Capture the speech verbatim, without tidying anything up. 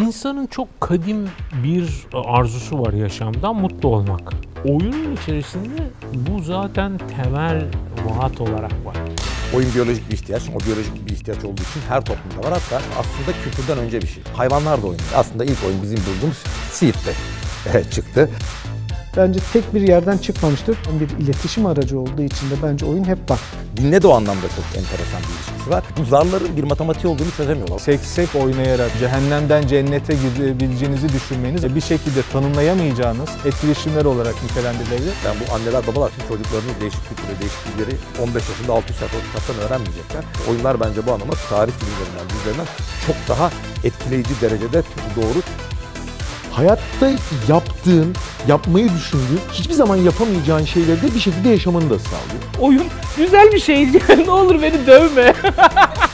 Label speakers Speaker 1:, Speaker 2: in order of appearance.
Speaker 1: İnsanın çok kadim bir arzusu var yaşamda, mutlu olmak. Oyunun içerisinde bu zaten temel vaat olarak var.
Speaker 2: Oyun biyolojik bir ihtiyaç. O biyolojik bir ihtiyaç olduğu için her toplumda var. Hatta aslında kültürden önce bir şey. Hayvanlar da oynuyor. Aslında ilk oyun bizim bulduğumuz Seed'de çıktı.
Speaker 3: Bence tek bir yerden çıkmamıştır. Bir iletişim aracı olduğu için de bence oyun hep var.
Speaker 2: Dinle de o anlamda çok enteresan bir ilişkisi var. Bu zarların bir matematiği olduğunu çözemiyorlar.
Speaker 4: Seksek oynayarak cehennemden cennete gidebileceğinizi düşünmeniz bir şekilde tanımlayamayacağınız etkileşimler olarak nitelendirilebilir.
Speaker 2: Yani bu anneler babalar için çocuklarının değişik kültürü, değişiklikleri on beş yaşında altı yüz sayfa kitaptan öğrenmeyecekler. Oyunlar bence bu anlamda tarih filmlerinden, dizilerinden çok daha etkileyici derecede doğru.
Speaker 5: Hayatta yaptığın, yapmayı düşündüğün, hiçbir zaman yapamayacağın şeyleri de bir şekilde yaşamanı da sağlıyor.
Speaker 6: Oyun güzel bir şey. Ne olur beni dövme.